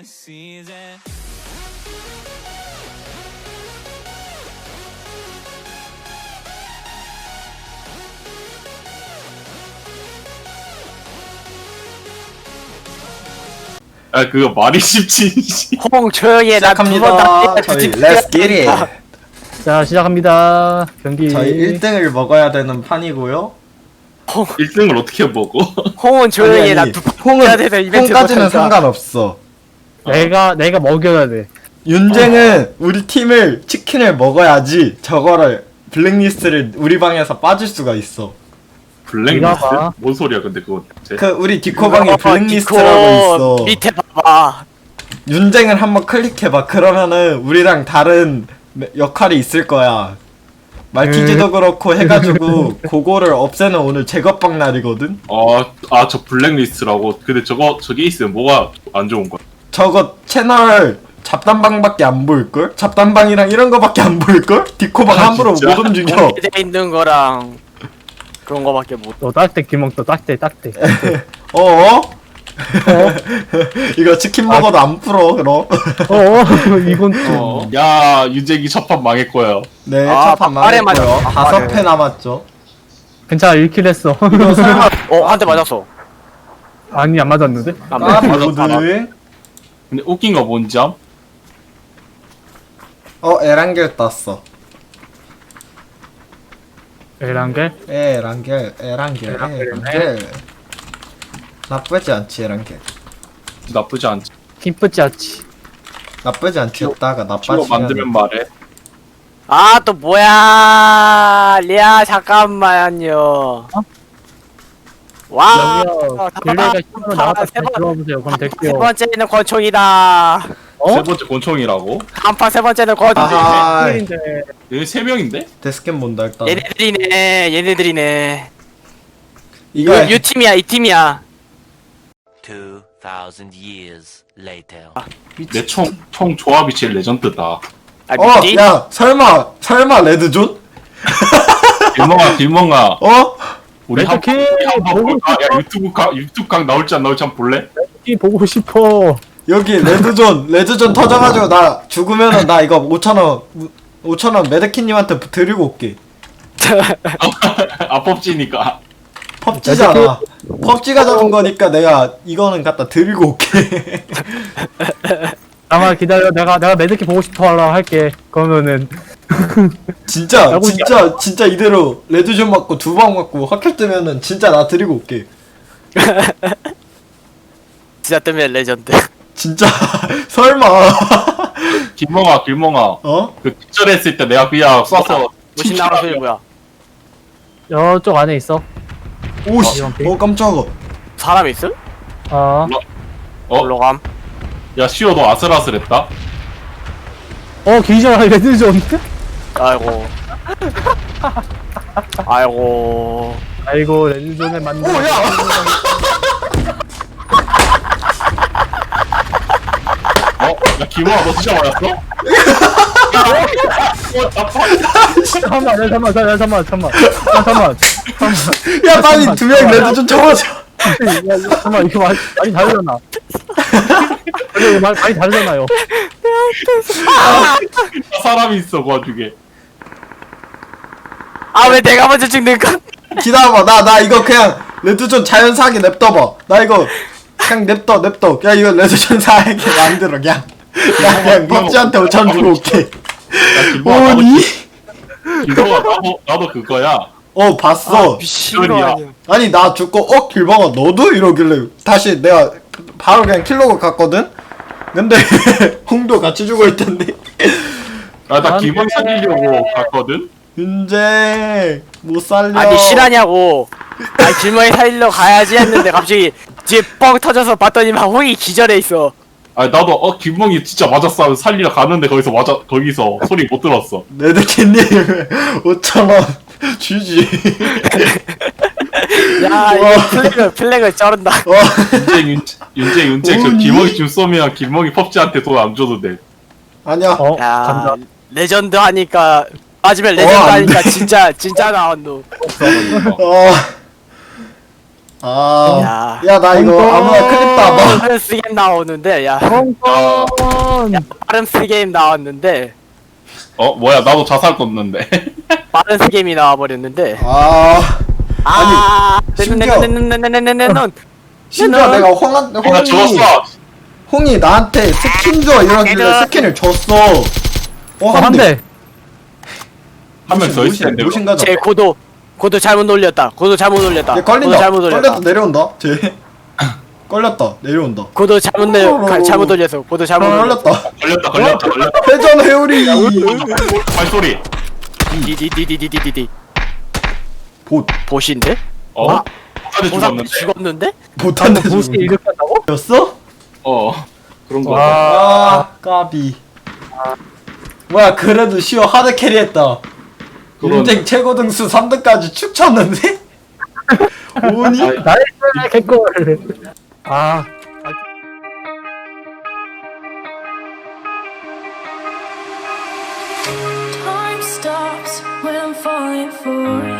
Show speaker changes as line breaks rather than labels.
아 그거 말이 쉽지.
홍 조용히 해. 나 두 번
시작합니다.
다
저희 Let's get it.
자 시작합니다. 경기.
저희 1등을 먹어야 되는 판이고요.
1등을 어떻게 먹어?
홍은 조용히 해.
아니,
나
아니,
두 번 해야 돼서 이벤트
홍까지는
못하니까.
상관없어.
내가 먹여야 돼.
윤쟁은 우리 팀을 치킨을 먹어야지 저거를 블랙리스트를 우리 방에서 빠질 수가 있어.
블랙리스트?
봐.
뭔 소리야 근데 그건 대체.
그 우리 디코방에
어,
블랙리스트라고
디코
있어.
밑에 봐봐.
윤쟁을 한번 클릭해봐. 그러면은 우리랑 다른 역할이 있을 거야. 말티즈도 그렇고 해가지고 그거를 없애는 오늘 제거방 날이거든.
저 블랙리스트라고. 근데 저게 있으면 뭐가 안 좋은 거야?
저거 채널 잡담방밖에 안 보일걸? 잡담방이랑 이런 거밖에 안 보일걸? 디코방
아,
함부로
진짜?
못 움직여.
공개돼 있는 거랑 그런 거밖에 못.
또 딱대 김홍 또 딱대.
어어? 이거 치킨 먹어도 안 풀어 그럼.
이건 좀.
야 윤재기 첫판 망할 거야.
네,
아,
첫판
막판에
망했고요.
맞았어,
5패
막판에.
남았죠.
괜찮아 1킬 했어.
이거 설마
한 대 맞았어.
아니 안 맞았는데?
안
까비
맞았어.
모드.
근데 웃긴 거 뭔지 암?
에란겔 떴어.
에란게?
에란겔. 나쁘지 않지 에란겔.
나쁘지 않지.
기쁘지 않지.
나쁘지 않지 했다가
친구
나빠지면
만들면 말해.
아 또 뭐야? 리아 잠깐만요. 와.
딜레이가 힘으로 나왔다
세 번-
들어보세요. 그럼
세
될게요.
번째는 권총이다.
세 번째 권총이라고?
한판 세 번째는 권총.
아하.
킬인데.
여기 3명인데?
데스캠 본다 일단.
얘네들이네.
이거
이 팀이야, 이 팀이야.
2,000 years later.
내 총 조합이 제일 레전드다.
아, 미지?
야 설마 레드존?
길멍아. 우리
레드 킬!
한번
보고
볼까? 야
싶어.
유튜브 각 나올지 안 나올지 한번 볼래?
이 보고 싶어.
여기 레드존 터져가지고 나 죽으면은 나 이거 5,000원 메데키님한테 드리고 올게.
아 펍지니까.
펍지잖아. 펍지가 잡은 거니까 내가 이거는 갖다 드리고 올게.
잠깐만 기다려. 내가 매드키 보고 싶어 하라 할게. 그러면은
진짜 이대로 레드존 맞고 2방 맞고 확킬 뜨면은 진짜 나 드리고 올게.
진짜 뜨면 레전드.
진짜 설마.
길멍아 그 기절했을 때 내가 그냥 쏴서
무신 나온 소리 뭐야?
저쪽 안에 있어.
오씨. 깜짝아.
사람 있음? 올라감.
야 시오 너 아슬아슬했다.
기절 레드존.
아이고. 아이고.
아이고 레드존에 맞는.
오야.
야 김호아 너 진짜 맞았어?
잠깐만.
야 빨리 2명 레드존 잡아줘.
잠깐만 이거 많이 다르잖아. 이거 많이 다르잖아요.
사람이 있어 그 와중에.
아 왜 내가 먼저 죽는가?
기다려봐. 나 이거 그냥 레드존 자연사하게 냅둬봐. 나 이거 그냥 냅둬. 야 이거 레드존 사하게 만들어 그냥. 나 그냥 펍지한테 5,000원 주고 올게.
야 김호아 김호아 나도 그거야.
봤어.
미친 거 아니야.
아니 나 죽고 길방아 너도? 이러길래 다시 내가 바로 그냥 킬로그 갔거든? 근데 홍도 같이 죽어있던데.
나 김호아 살리려고 갔거든.
윤재 못 살려.
아니 실하냐고. 아니 길머리 살리러 가야지 했는데 갑자기 뒤에 뻥 터져서 봤더니 막 홍이 기절해 있어.
아 나도 김몽이 진짜 맞았어 하면서 살리러 가는데 거기서 소리 못 들었어.
레드캣님 5,000원 주지.
야 이거 플래그를 쩔은다.
윤재 저
오니?
김몽이 좀 쏘면 김몽이 펍지한테 돈 안 줘도 돼.
아니야.
야
간다.
레전드 하니까 맞으면 레전드
안
하니까 진짜 나왔노.
어. 아,
야.
야, 나 이거 아무나 클립 따봐.
빠른스 게임 나오는데 야
펑펑.
빠른스 게임 나왔는데
뭐야 나도 자살 떴는데.
빠른스 게임이 나와버렸는데
아, 심지어- 심지어 내가
나 죽었어.
홍이 나한테 스킨 줘 이러길래 스킨을 줬어.
한 대.
한 명 더 있을 텐데.
무신 가자.
제 고도 잘못 올렸다. 고도 잘못 올렸다.
얘
고도
걸린다.
잘못 올렸다.
걸렸다 내려온다. 쟤 걸렸다 내려온다.
고도 잘못 올려서 고도 잘못 올렸다.
걸렸다.
걸렸다.
회전 회오리.
발소리.
디디디디디디디
봇
보신데?
까지
보상
죽었는데.
죽었는데?
못한테
보시
죽은
이렇게 한다고?
거였어?
그런 거.
아 까비. 뭐야 그래도 시어 하드 캐리했다.
그건-
인생 최고 등수 3등까지 축 쳤는데? 오니?
나이스 개꿀. 아.
Time stops when I'm falling for